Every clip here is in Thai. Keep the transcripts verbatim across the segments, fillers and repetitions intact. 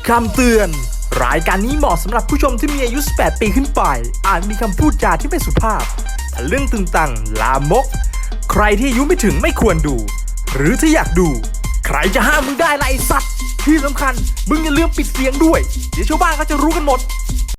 คำเตือนรายการนี้เหมาะสำหรับผู้ชมที่มีอายุสิบแปดปีขึ้นไปอาจมีคำพูดจาที่ไม่สุภาพทะลึ่งตึงตังลามกใครที่อายุไม่ถึงไม่ควรดูหรือถ้าอยากดูใครจะห้ามมึงได้ล่ะไอ้สัตว์ที่สำคัญมึงอย่าลืมปิดเสียงด้วยเดี๋ยวชาวบ้านเขาจะรู้กันหมด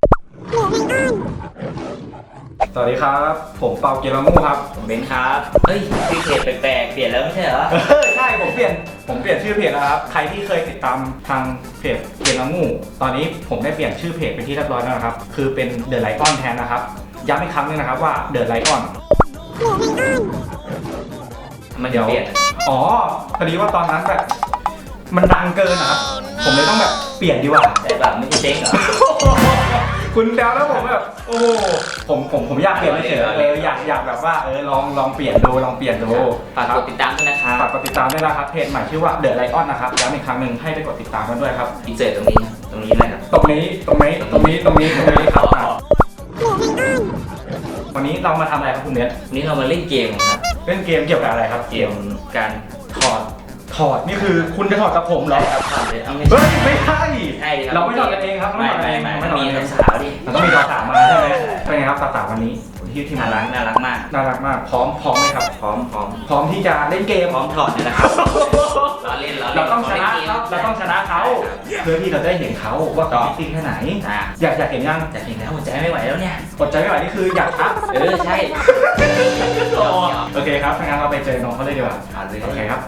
สวัสดีครับผมเปาเกียร์มูครับผมเบนครับเฮ้ยชื่อเพจแปลกๆเปลี่ยนแล้วไม่ใช่เหรอใช่ผมเปลี่ยนผมเปลี่ยนชื่อเพจแล้วครับใครที่เคยติดตามทางเพจเกียร์มูตอนนี้ผมได้เปลี่ยนชื่อเพจเป็นที่เรียบร้อยแล้วนะครับคือเป็นเดอะไลออนแทนนะครับย้ำอีกครั้งนึงนะครับว่าเดอะไลออนมันเดี๋ยวเปลี่ยนอ๋อพอดีว่าตอนนั้นแบบมันดังเกินนะครับผมเลยต้องแบบเปลี่ยนดีกว่าแต่แบบไม่ใช่เจ๊งเหรอคุณแซวแล้วผมแบบโอ้ผมผมผมอยากเปลี่ยนเฉยๆเอออยากอยากแบบว่าเออลองลองเปลี่ยนดูลองเปลี่ยนดูฝากกดติดตามด้วยนะครับฝากกดติดตามด้วยนะครับเพจใหม่ชื่อว่าเดอะไลออนนะครับย้ำอีกครั้งหนึ่งให้ไปกดติดตามกันด้วยครับอินเสิร์ตตรงนี้ตรงนี้เลยครับตรงนี้ตรงนี้ตรงนี้ตรงนี้ตรงนี้ครับวันนี้เรามาทำอะไรครับคุณเนทวันนี้เรามาเล่นเกมครับเล่นเกมเกี่ยวกับอะไรครับเกมการถอดถอดนี่คือคุณจะถอดกับผมเหรอครับถอดเลยเอาไม่เฮ้ยไม่ใช่ใช่เราไม่ถอดกันเองครับไม่ไม่ไม่มันมีสาวดิมันต้องมีสาวมาใช่ไหมเป็นไงครับสาววันนี้ที่ทีมน่ารักน่ารักมากน่ารักมากพร้อมพร้อมไหมครับพร้อมพร้อมพร้อมที่จะเล่นเกมพร้อมถอดนี่แหละครับเราเล่นเราต้องชนะเขาเราต้องชนะเขาเพื่อที่เราได้เห็นเขาว่าเขาจริงแค่ไหนอยากอยากเห็นยังอยากเห็นแล้วอดใจไม่ไหวแล้วเนี่ยอดใจไม่ไหวนี่คืออยากทักเออใช่โอเคครับงั้นเราไปเจอน้องเขาเลยดีกว่าโอเคครับ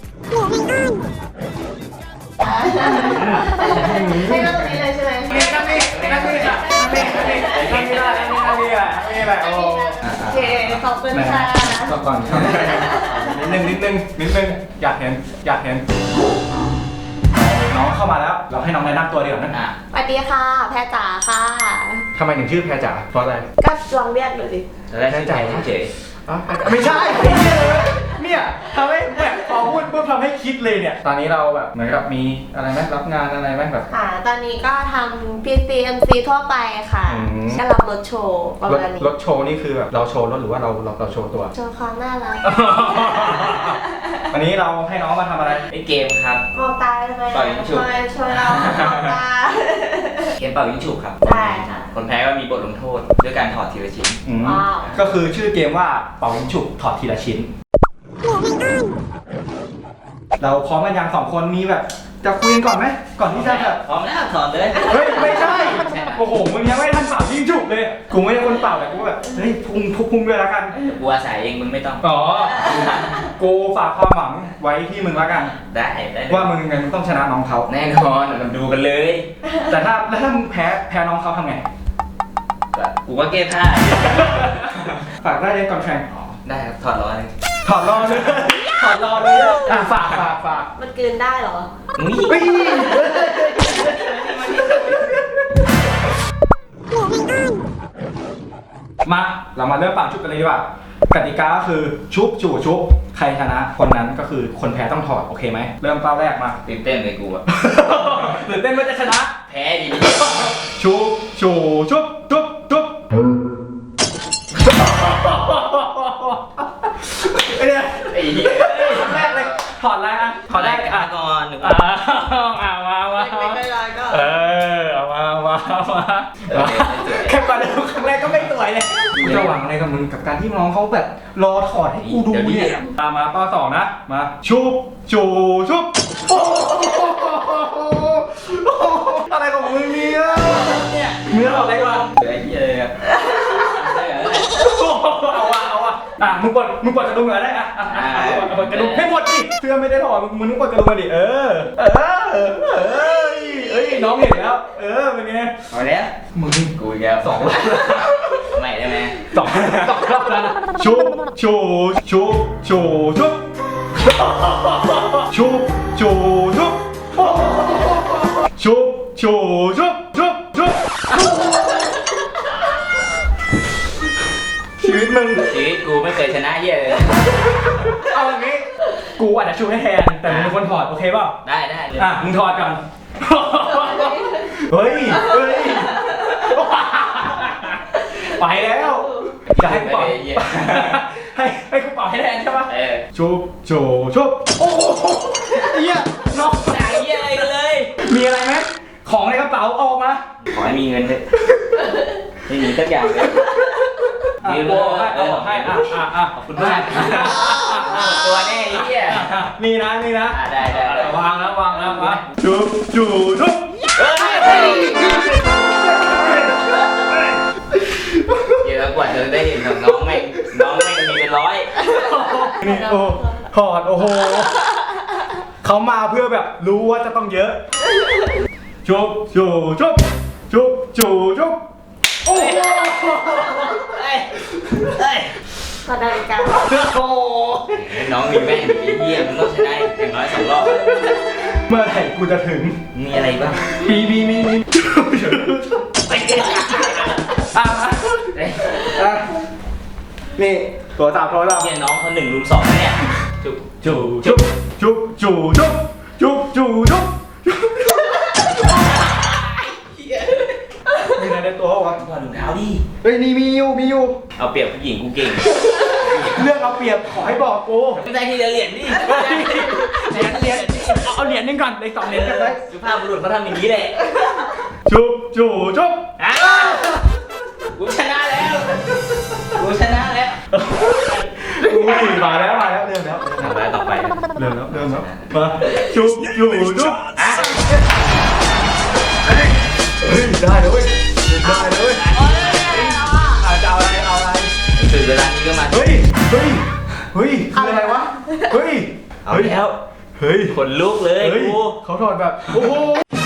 ให้นั่งตรงนี้เลยใช่ไหมนั่งนี่นั่งนี่ค่ะนั่งนี่นั่งนี่นั่งนี่นั่งนี่นั่งนี่อ่ะนี่แหละโอเคขอบคุณค่ะก่อนก่อนนิดนึงนิดนึงนิดนึงอยากเห็นอยากเห็นน้องเข้ามาแล้วเราให้น้องแนะนำตัวดีกว่านะสวัสดีค่ะแพรจ๋าค่ะทำไมถึงชื่อแพรจ๋าเพราะอะไรก็ลองเรียกดูดิแพรจ๋าเฉยไม่ใช่เนี่ยทำให้แบบพอพูดปุ๊บทำให้คิดเลยเนี่ยตอนนี้เราแบบเหมือนกับมีอะไรไหมรับงานอะไรไหมแบบค่ะตอนนี้ก็ทำ พี ซี เอ็ม ซี ทั่วไปค่ะก็รับรถโชว์ประมาณนี้รถโชว์นี่คือแบบเราโชว์รถหรือว่าเราเราเราโชว์ตัวโชว์ความน่ารักวันนี้เราให้น้องมาทำอะไรไอเกมครับมองตาทำไมช่วยช่วยเรามองตาเกมเป่ายิงฉุบครับใช่ค่ะคนแพ้ก็มีบทลงโทษด้วยการถอดทีละชิ้นก็คือชื่อเกมว่าเป่ายิงฉุบถอดทีละชิ้นเราพร้อมกันยังสองคนมีแบบจะคุยกันก่อนไหมก่อนที่จะแบบพร้อมแล้วถอดเลยเฮ้ยไม่ใช่โอ้โหมึงยังไม่ทันเป่ายิงฉุบเลยกูไม่ใช่คนเป่าแต่กูแบบเฮ้ยพุ่งพุ่งด้วยแล้วกันกูอาศัยเองมึงไม่ต้องอ๋อกูฝากความหวังไว้ที่มึงแล้วกันได้ได้ว่ามึงไงมึงต้องชนะน้องเขาแน่นอนเราดูกันเลยแต่ถ้าแล้วถ้ามึงแพ้แพ้น้องเขาทำไงกูก็เก้ผ้าฝากได้เลยก่อนแข่งได้ครับถอดรอเลยถอดรอเลยถอดรอเลยอ่ะฝากฝากฝากมันกินได้เหรอมาเรามาเริ่มปั่นชุบกันเลยดีกว่ากติกาคือชุบจู่ชุบใครชนะคนนั้นก็คือคนแพ้ต้องถอดโอเคไหมเริ่มเป้าแรกมาตื่นเต้นเลยกูอะตื่นเต้นว่าจะชนะแพ้ดีชุบจู่ชุบชุบชุบไอ้เนี่ยไอ้เหี้ยแรกเลยถอดอะไรอ่ะถอดได้อ่ะก่อนหนึ่งอ่ะอ่ะมามาไม่ได้ก็เออเอามามามาแค่ก่อนครั้งแรกก็ไม่สวยเลยกูจะหวังอะไรกับมึงกับการที่น้องเขาแบบรอถอดให้กูดูเนี่ยตามมาป้าสองนะมาชุบจูชุบอะไรของมึงเนี่ยเนี่ยเนื้ออะไรก่อนไอ้เหี้ยเอาวะเอาวะอ่ะมึงกดมึงกดกระดุมอะไรอ่ะอ่ะกดกระดุมให้หมดดิเสื้อไม่ได้ถอดมึงมึงกดกระดุมมาดิเออเออเออเอ้ยน้องเห็นแล้วเออเป็นไงเอาแล้วมึงกูแกสองใหม่ได้ไหมสองสองรอบแล้วชูชูชูชูชุบชูชูชุบชูชูชุบชุบชุบชีวิตมึงชีวิตกูไม่เคยชนะเยอะเลยเอาอย่างงี้กูอาจจะชูให้แทนแต่มึงเป็นคนถอดโอเคป่ะได้ได้อ่ะมึงถอดก่อนเฮ้ยเฮ้ยไปแล้วจะให้กูเป่าให้ให้กูเป่าให้แทนใช่ป่ะชุบชูชุบโอ้โหเหี้ยน้องไหนเหี้ยอะไรกันเลยมีอะไรไหมของในกระเป๋าออกมาขอให้มีเงินเถอะไม่มีสักอย่างเลยอ่ะมีโอ้ให้เอาออกให้อ่ะอ่ะอ่ะขอบคุณมากตัวแน่ไอ้เหี้ยนี่นะนี่นะอ่ะได้ได้ได้วางแล้ววางแล้ววางจุ๊บจุ๊บจุ๊บเฮ้ยเดี๋ยวกว่าจะได้เห็นของน้องแม่งน้องแม่งมีเป็นร้อยนี่โอ้ถอดโอ้โหเขามาเพื่อแบบรู้ว่าจะต้องเยอะจุ๊บจุ๊บจุ๊บจุ๊บจุ๊บจุ๊บโอ้โหเฮ้ยเฮ้ยขอนาฬิกาโอ้โหน้องมีแม่งไอ้เหี้ยมันต้องใช้ได้อย่างน้อยสองรอบเมื่อไหร่กูจะถึงมีอะไรบ้างมีมีมีมีอ่ะอ่ะนี่ตัวสามร้อยละเหี้ยน้องเขาหนึ่งลุมสองเนี่ยจุ๊บจุ๊บจุ๊บจุ๊บจุ๊บจุ๊บจุ๊บจุ๊บจุ๊บมีอะไรในตัววะถอดถุงเท้าดิเฮ้ยนี่มีอยู่มีอยู่เอาเปรียบผู้หญิงกูเก่งเรื่องเอาเปรียบขอให้บอกกูไม่ได้ที่เหรียญดิเหรียญเหรียญเอาเอาเหรียญนึงก่อนเลยสองเหรียญกันได้สุภาพบุรุษเขาทำอย่างนี้แหละจุ๊บจุ๊บจุ๊บอ่ะกูชนะแล้วกูชนะแล้วอุ้ยมาแล้วมาแล้วเริ่มแล้วต่อไปต่อไปเริ่มแล้วเริ่มแล้วมาจุ๊บจุ๊บจุ๊บอ่ะเฮ้ยได้เลยเว้ยได้เลยเว้ยอาจะเอาอะไรเอาอะไรถึงเวลานี้ก็มาเฮ้ยเฮ้ยเฮ้ยคืออะไรวะเฮ้ยเอาแล้วเฮ้ยขนลุกเลยเฮ้ยกูเขาถอดแบบโอ้โห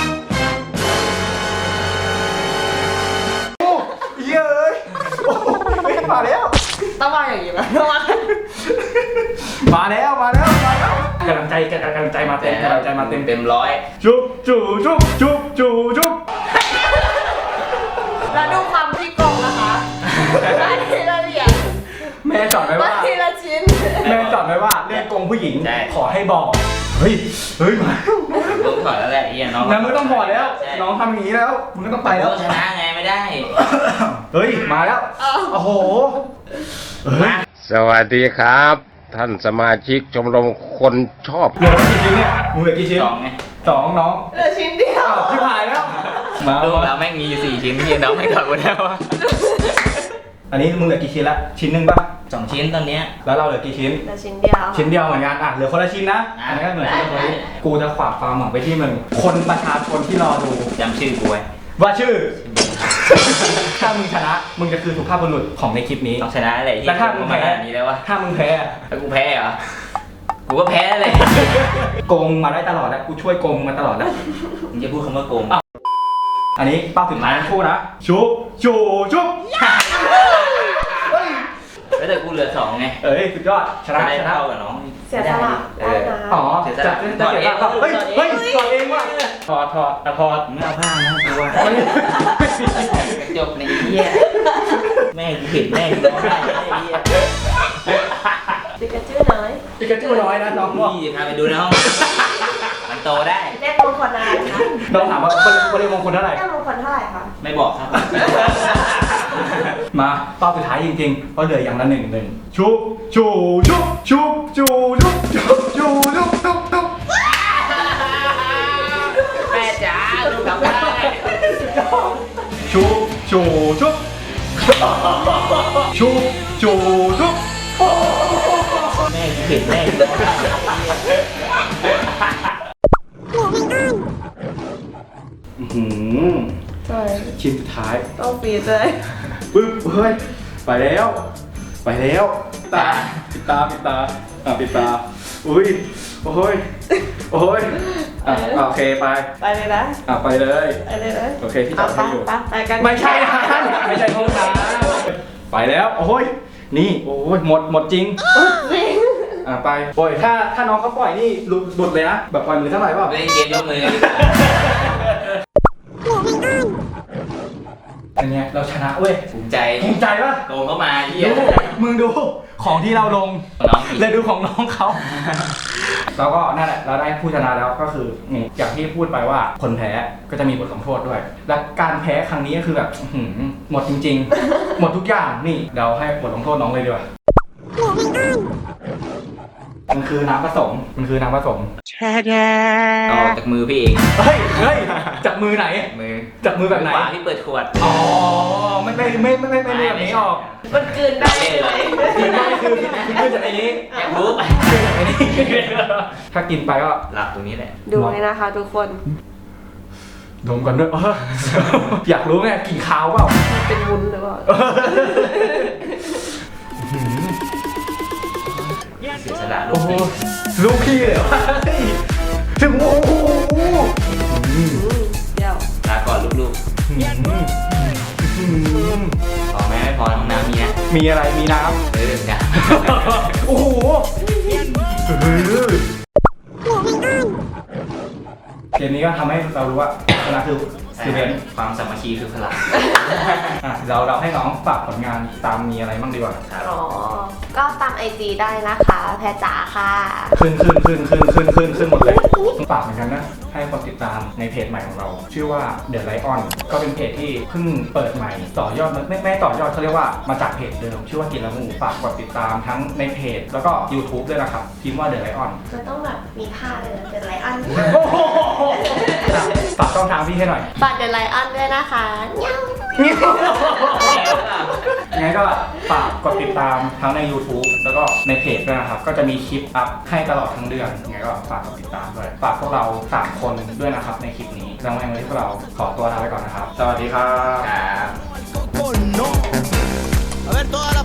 โอ้เย้ยโอ้เฮ้ยมาแล้วต้องมาอย่างนี้ไหมต้องมามาแล้วมาแล้วมาแล้วกำลังใจกำลังใจมาเต็มกำลังใจมาเต็มเต็มร้อยจุ๊บจุ๊บจุ๊บจุ๊บจุ๊บจุ๊บแล้วดูความที่กงนะคะได้ทีละเหรียญแม่สอนไว้ได้ว่าทีละชิ้นแม่สอนไว้ว่าเรื่องโกงผู้หญิงขอให้บอกเฮ้ยเฮ้ยมาลุกถอดแล้วแหละไอ้เหี้ยน้องงั้นมึงต้องถอดแล้วใช่น้องทำอย่างนี้แล้วมึงก็ต้องไปแล้วต้องชนะไงไม่ได้เฮ้ยมาแล้วโอ้โหเฮ้ยสวัสดีครับ ท่านสมาชิกชมรมคนชอบเหลือกี่ชิ้นเนี่ยมึงเหลือกี่ชิ้นสองไงสองน้องเหลือชิ้นเดียวอ้าวที่หายแล้วมาดูแล้วแม่งมีอยู่สี่ชิ้นที่น้องไม่ถอดหมดแล้วอะอันนี้มึงเหลือกี่ชิ้นละชิ้นหนึ่งป่ะสองชิ้นตอนเนี้ยแล้วเราเหลือกี่ชิ้นเหลือชิ้นเดียวชิ้นเดียวเหมือนกันอ่ะเหลือคนละชิ้นนะอ่ะอันนี้ก็เหมือนกันได้กูจะฝากความหวังไปที่มึงคนประชาชนที่รอดูจำชื่อกูไว้ว่าชื่อ ถ้ามึงชนะ มึงจะคือสุภาพบุรุษของในคลิปนี้ต้องชนะอะไรที่แล้วถ้ามึงมาแพ้ขนาดนี้แล้ววะถ้ามึงแพ้แล้วกูแพ้เหรอ กูก็แพ้เลยโกงมาได้ตลอดแล้วกูช่วยโกงมาตลอดแล้วมึงจะพูดคำว่าโกงอันนี้เป้าสุดท้ายทั้งคู่นะชุบจูชุบเฮ้ยแล้วแต่กูเหลือสองไงเอ้ยสุดยอดชนะจะได้ชนะเท่ากับน้องเสียสละเอได้อนะอ๋อเสียสจะละจะเสียสละเฮ้ยเฮ้ยถอดเองว่ะถอดถอดอ่ะถอดมึงเอาผ้านะกูว่ากระจกในไอ้เหี้ยแม่กูเห็นแม่กูร้องไห้ไอ้เหี้ยปิกาจูน้อยปิกาจูน้อยนะน้องบอกพี่พาไปดูในห้องมันโตได้เลขมงคลอะไรคะน้องถามว่าบริมงคลเท่าไหร่เลขมงคลเท่าไหร่คะไม่บอกครับมาเป้าสุดท้ายจริงๆเพราะเหลืออย่างละหนึ่งหนึ่งชุบจูชุบชุบจูชุบชุบจูชุบชุบชุบแม่จ๋าลูกกลับบ้านชุบจูชุบชุบจูชุบแม่กูเห็นแม่กูร้องไห้อื้อหือใช่ชิ้นสุดท้ายต้องปีดเลยปึ๊บเฮ้ยไปแล้ว ไปแล้วตาปิดตาปิดตาอ่ะปิดตาอุ้ยโอ้ยโอ้ยอ่ะอ่ะโอเคไปไปเลยนะอ่ะไปเลยไปเลยนะโอเคที่จอดให้อยู่ไปไปกันไม่ใช่นะไม่ใช่ห้องน้ำไปแล้วโอ้ยนี่โอ้ยหมดหมดจริงอ่ะไปปล่อยถ้าถ้าน้องเขาปล่อยนี่หลุดหลุดเลยนะแบบปล่อยมือเท่าไหร่เปล่าเล่นเกมยกมือกันดีกว่าอันเนี้ยเราชนะเว้ยภูมิใจภูมิใจปะโกงเข้ามาเหี้ยดูมึงดูของที่เราลงน้องอีกเลยดูของน้องเขา แล้วก็นั่นแหละเราได้ผู้ชนะแล้วก็คือนี่อย่างที่พูดไปว่าคนแพ้ก็จะมีบทลงโทษด้วย และการแพ้ครั้งนี้ก็คือแบบอื้อหือหมดจริง ๆ หมดทุกอย่างนี่เราให้บทลงโทษน้องเลยดีกว่ามันคือน้ำผสมมันคือน้ำผสมต่อจากมือพี่เองเฮ้ยเฮ้ยจับมือไหนมือจับมือแบบไหนขวาที่เปิดขวดอ๋อไม่ไม่ไม่ไม่ไม่ไม่ไม่แบบนี้ออกมันกลืนได้เลยคือไม่คือคือจากไอ้นี้อยากรู้ไปคือจากไอ้นี้ถ้ากินไปก็หลับตรงนี้แหละดูเลยนะคะทุกคนดมกันด้วยเอออยากรู้ไงกินข้าวเปล่าเป็นวุ้นหรือเปล่าเสียสละลูโอ้กโหลูกพี่เลยเหรอถึงโอ้โหอืมเดี๋ยวลาก่อนลูกๆพอไหมไม่พอห้องน้ำมีนะมีอะไรมีน้เออจ้ะำโอ้โหเกมนี้ก็ทำให้เรารู้ว่าชนะคือคือเบนความสามัคคีคือพลังอ่ะเราเราให้น้องฝากผลงานตามมีอะไรบ้างดีกว่าครับอ๋อ ก็ตามไอจีได้นะคะ แพรจ๋าค่ะขึ้นขึ้นขึ้นขึ้นขึ้นขึ้นขึ้นหมดเลยฝากเหมือนกันนะให้คนติดตามในเพจใหม่ของเรา ชื่อว่า The Lion ก็เป็นเพจที่เพิ่งเปิดใหม่ต่อยอดไม่ไม่ต่อยอดเขาเรียกว่ามาจากเพจเดิมชื่อว่ากินละมูฝากกดติดตามทั้งในเพจแล้วก็ YouTube ด้วยนะครับพิมพ์ว่า The Lion มันต้องแบบมีท่าเลยนะเดอะไลออนฝากช่องทางพี่ให้หน่อยฝากเดอะไลออนด้วยนะคะเงี้ยวยังไงก็ฝากกดติดตามทั้งใน YouTube แล้วก็ในเพจด้วยนะครับ ก็จะมีคลิปอัพให้ตลอดทั้งเดือนยังไงก็ฝากกดติดตามด้วย ฝากพวกเราสามคนด้วยนะครับในคลิปนี้แล้ววันนี้พวกเราขอตัวลาไปก่อนนะครับ สวัสดีครับครับ Oh no. A ver toda la